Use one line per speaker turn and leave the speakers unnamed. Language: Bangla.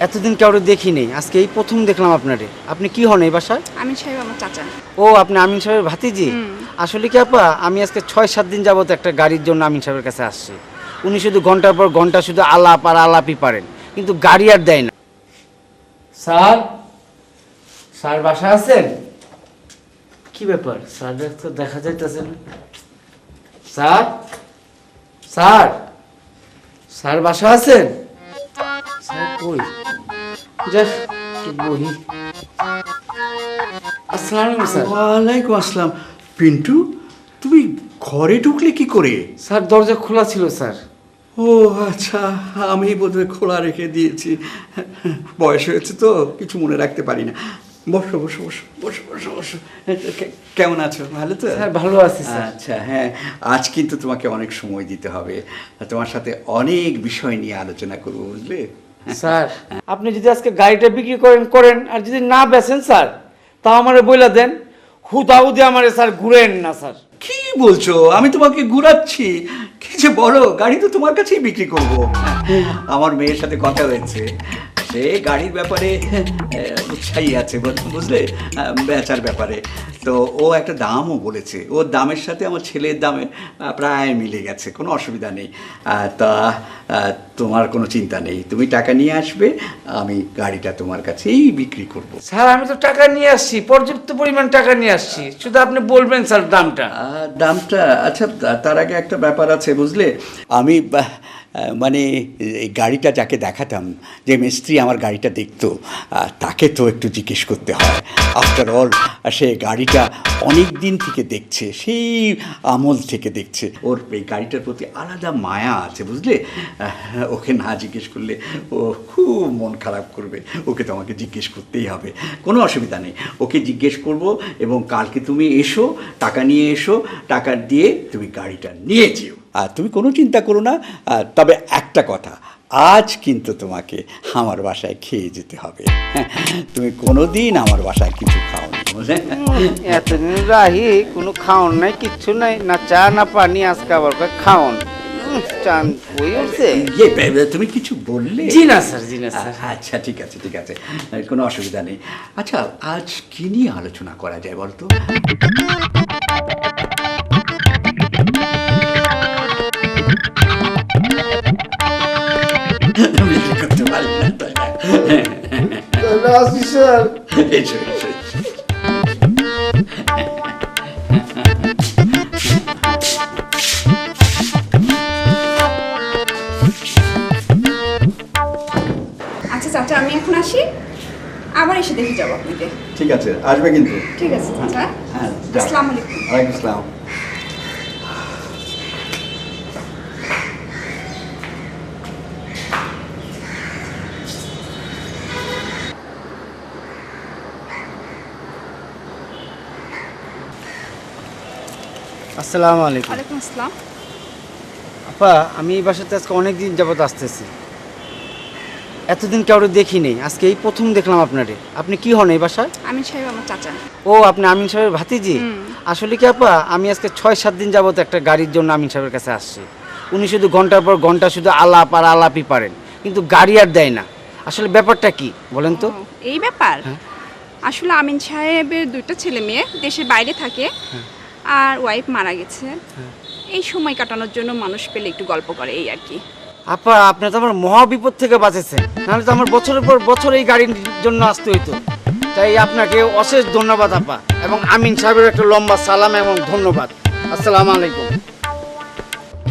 এতদিন কাউরে দেখিনি, আজকে এই প্রথম দেখলাম আপনারে। আপনি কি হন এই বাসায়?
আমিন সাহেব আমার চাচা।
ও, আপনি আমিন সাহেবের ভাতিজি? আসলে কি আপা, আমি আজকে 6-7 দিন যাবত একটা গাড়ির জন্য আমিন সাহেবের কাছে আসছি। উনি শুধু ঘন্টার পর ঘন্টা শুধু আলাপ আর আলাপই পারেন, কিন্তু গাড়ি আর দেয় না। স্যার, স্যার বাসা আছেন? কি ব্যাপার, স্যার তো দেখা যাইতেছে না। স্যার, স্যার, স্যার বাসা আছেন? স্যার কই? যাক, একটু বহি। আসসালামু আলাইকুম স্যার।
ওয়ালাইকুম আসসালাম। পিন্টু, তুমি ঘরে ঢুকলে কি করে?
স্যার দরজা খোলা ছিল স্যার।
ও আচ্ছা, আমি বোধহয় খোলা রেখে দিয়েছি। বয়স হয়েছে তো কিছু মনে রাখতে পারি না। বসো বসো বসো বসো বসো বসো। কেমন আছো? ভালো তো?
স্যার ভালো আছি স্যার।
আচ্ছা, হ্যাঁ, আজ কিন্তু তোমাকে অনেক সময় দিতে হবে। তোমার সাথে অনেক বিষয় নিয়ে আলোচনা করবো, বুঝলে?
স্যার আপনি যদি আজকে গাড়িটা বিক্রি করেন করেন, আর যদি না বেচেন স্যার, তাও আমারে বইলা দেন। হুদাহুদি আমারে স্যার ঘুরেন না স্যার।
কি বলছো? আমি তোমাকে ঘুরাচ্ছি? কি যে বলো, গাড়ি তো তোমার কাছেই বিক্রি করব। আমার মেয়ের সাথে কথা হয়েছে, সে গাড়ির ব্যাপারে উৎসাহী আছে, বুঝলে, বেচার ব্যাপারে। তো ও একটা দামও বলেছে, ওর দামের সাথে আমার ছেলের দামে প্রায় মিলে গেছে, কোনো অসুবিধা নেই। তা তোমার কোনো চিন্তা নেই, তুমি টাকা নিয়ে আসবে, আমি গাড়িটা তোমার কাছেই বিক্রি করব।
স্যার আমি তো টাকা নিয়ে আসছি, পর্যাপ্ত পরিমাণ টাকা নিয়ে আসছি, শুধু আপনি বলবেন স্যার দামটা।
দামটা আচ্ছা, তার আগে একটা ব্যাপার আছে, বুঝলে, আমি মানে এই গাড়িটা যাকে দেখাতাম, যে মিস্ত্রি আমার গাড়িটা দেখতো, তাকে তো একটু জিজ্ঞেস করতে হয়। আফটার অল সে গাড়িটা অনেক দিন থেকে দেখছে, সেই আমল থেকে দেখছে। ওর এই গাড়িটার প্রতি আলাদা মায়া আছে, বুঝলে। ওকে না জিজ্ঞেস করলে ও খুব মন খারাপ করবে। ওকে তো আমাকে জিজ্ঞেস করতেই হবে, কোনো অসুবিধা নেই। ওকে জিজ্ঞেস করব, এবং কালকে তুমি এসো, টাকা নিয়ে এসো, টাকা দিয়ে তুমি গাড়িটা নিয়ে যেও। আর তুমি কোনো চিন্তা করো না। তবে একটা কথা, আজ কিন্তু তোমাকে আমার বাসায় খেয়ে যেতে হবে। তুমি কোনো দিন আমার বাসায় কিছু খাওনি, বুঝলে।
এতদিন রাহি কোনো খাওন নাই, কিচ্ছু নাই, না চা না পানি, আজকে আবার খাওন। চান বই উঠছে?
তুমি কিছু বললে?
জি না স্যার, জি না স্যার।
আচ্ছা, ঠিক আছে ঠিক আছে, কোনো অসুবিধা নেই। আচ্ছা, আজ কি নিয়ে আলোচনা করা যায় বলতো? করতে পারি না, তাই না?
স্যার
এসো, এসো, এসো।
আচ্ছা চাচা, আমি এখন আসি, আবার এসে দেখে যাবো আপনাকে।
ঠিক আছে, আসবে কিন্তু।
ঠিক আছে চাচা।
হ্যাঁ,
আসসালামু আলাইকুম।
ওয়ালাইকুম আসসালাম।
আসসালামু আলাইকুম।
ওয়ালাইকুম আসসালাম।
আপা, আমি এই বাসাতে আজকে অনেক দিন যাবত আসতেছি, এতদিন কাউরে দেখিনি, আজকে এই প্রথম দেখলাম আপনারে। আপনি কি হন এই বাসায়?
আমিন সাহেব আমার চাচা।
ও, আপনি আমিন সাহেবের ভাতিজি? আসলে কি আপা, আমি আজকে 6-7 দিন যাবত একটা গাড়ির জন্য আমিন সাহেবের কাছে আসছি। উনি শুধু ঘন্টার পর ঘন্টা শুধু আলাপ আর আলাপই পারেন, কিন্তু গাড়ি আর দেয় না। আসলে ব্যাপারটা কি বলেন তো?
এই ব্যাপার, আসলে আমিন সাহেবের 2টা ছেলে মেয়ে দেশের বাইরে থাকে, আর ওয়াইফ মারা গেছে। এই সময় কাটানোর জন্য মানুষ পেলে একটু গল্প করে, এই আর কি।
আপা, আপনি তো আমার মহা বিপদ থেকে বাঁচেছেন, নাহলে তো আমার বছরের পর বছর এই গাড়ির জন্য আসতে হইতো। তাই আপনাকে অশেষ ধন্যবাদ আপা, এবং আমিন সাহেবের একটা লম্বা সালাম এবং ধন্যবাদ। আসসালামু আলাইকুম।